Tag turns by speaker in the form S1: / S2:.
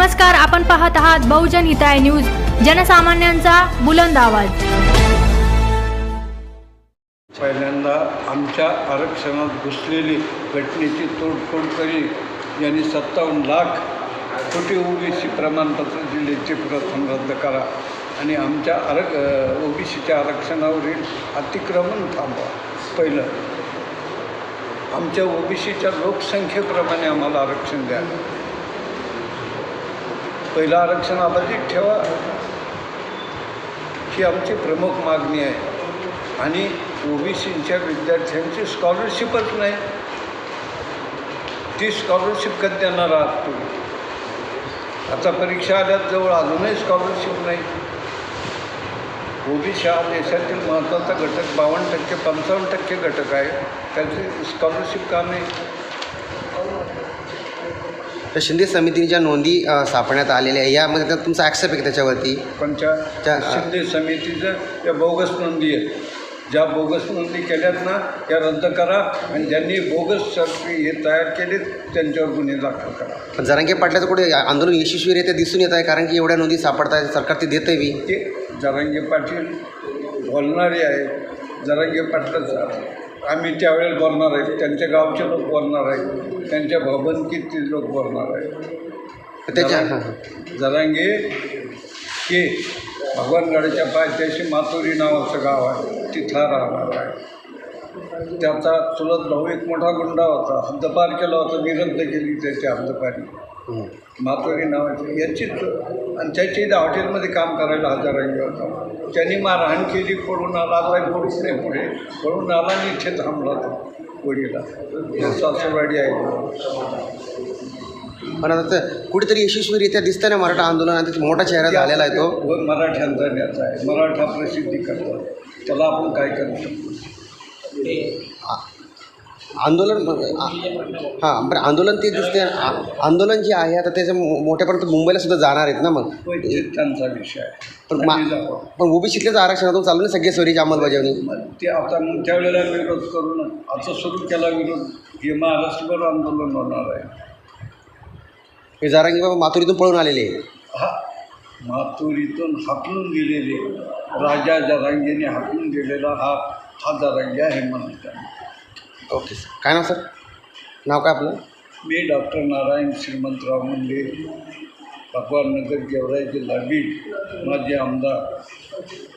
S1: नमस्कार, आपण पाहत आहात बहुजन हिताय न्यूज, जनसामान्यांचा बुलंद आवाज।
S2: पहिल्यांदा आमच्या आरक्षणात घुसलेली घटनेची तोडफोड करी यांनी 57 लाख कोटी ओबीसी प्रमाणपत्र दिले ते प्रथम रद्द करा आणि आमच्या ओबीसीच्या आरक्षणावरील अतिक्रमण थांबवा। पहिलं, आमच्या ओबीसीच्या लोकसंख्येप्रमाणे आम्हाला आरक्षण द्या। पहिलं आरक्षण अबाधित ठेवा ही आमची प्रमुख मागणी आहे आणि ओबीसीच्या विद्यार्थ्यांची स्कॉलरशिपच नाही, ती स्कॉलरशिप कधी देणार आहात तुम्ही? आता परीक्षा आल्यात जवळ, अजूनही स्कॉलरशिप नाही। ओबीसी हा देशातील महत्त्वाचा घटक, 52% 55% घटक आहे, त्याची स्कॉलरशिप का नाही?
S3: तर शिंदे समितीने ज्या नोंदी सापडण्यात आलेल्या आहे यामध्ये तुमचा ॲक्सेप्ट आहे त्याच्यावरती?
S2: कोणत्या शिंदे समितीचं त्या बोगस नोंदी आहेत, ज्या बोगस नोंदी केल्यात ना त्या रद्द करा आणि ज्यांनी बोगस हे तयार केले त्यांच्यावर गुन्हे दाखल करा।
S3: पण जरांगे पाटलाचं कुठे आंदोलन यशस्वीरित्या दिसून येत आहे, कारण की एवढ्या नोंदी सापडत आहे, सरकार ते देतं आहे बी।
S2: ते जरांगे पाटील बोलणारे आहेत, जरांगे पाटलाचं आम्ही त्यावेळेला बोलणार आहेत, त्यांच्या गावचे लोक बोलणार आहेत, त्यांच्या भवनकीतील लोक बोलणार आहेत।
S3: त्याच्या
S2: जरांगे हे भगवानगडाच्या पायथ्याशी मातोरी नावाचं गाव आहे, तिथं राहणार आहे। त्याचा चुलत भाऊ एक मोठा गुंडा होता, हद्दपार केला होता, मी रद्द केली त्याची हद्दपारी, मातोरी नावाची याचीच, आणि त्याच्या इथं हॉटेलमध्ये काम करायला जरांगे होता। त्यांनी मारहाण केली, पळून आला, काही पडूच नाही, पुढे पळून आला आणि इथे थांबला तो वडीला, सासरवाडी आहे।
S3: पण आता कुठेतरी यशस्वीरित्या दिसतं ना मराठा आंदोलन, आणि मोठा चेहरा झालेला आहे तो
S2: मराठ्यांचा नेता आहे, मराठा प्रसिद्धी करतात, त्याला आपण काय करू शकतो?
S3: आंदोलन हां, बरं आंदोलन ते दिसते, आंदोलन जे आहे आता त्याच्या मोठ्यापर्यंत मुंबईला सुद्धा जाणार आहेत ना, मग
S2: त्यांचा विषय आहे।
S3: पण ओबीसीतल्याच आरक्षणातून चालू ना सगळे सोयीची अंमलबजावणी,
S2: ते आता मग त्यावेळेला विरोध करू ना, आता सुरू केला विरोध, हे महाराष्ट्रभर आंदोलन होणार आहे।
S3: हे जरांगे बाबा माथुरीतून पळून आलेले आहे,
S2: हा माथुरीतून हाकलून गेलेले, राजा जरांगेने हाकलून गेलेला हा जरांगे आहे म्हणतात।
S3: ओके सर, काय नाव सर? नाव काय आपलं?
S2: मी डॉक्टर नारायण श्रीमंतराव मुंडे, भगवाननगर गेवराई जिल्हा बीड, माजी आमदार।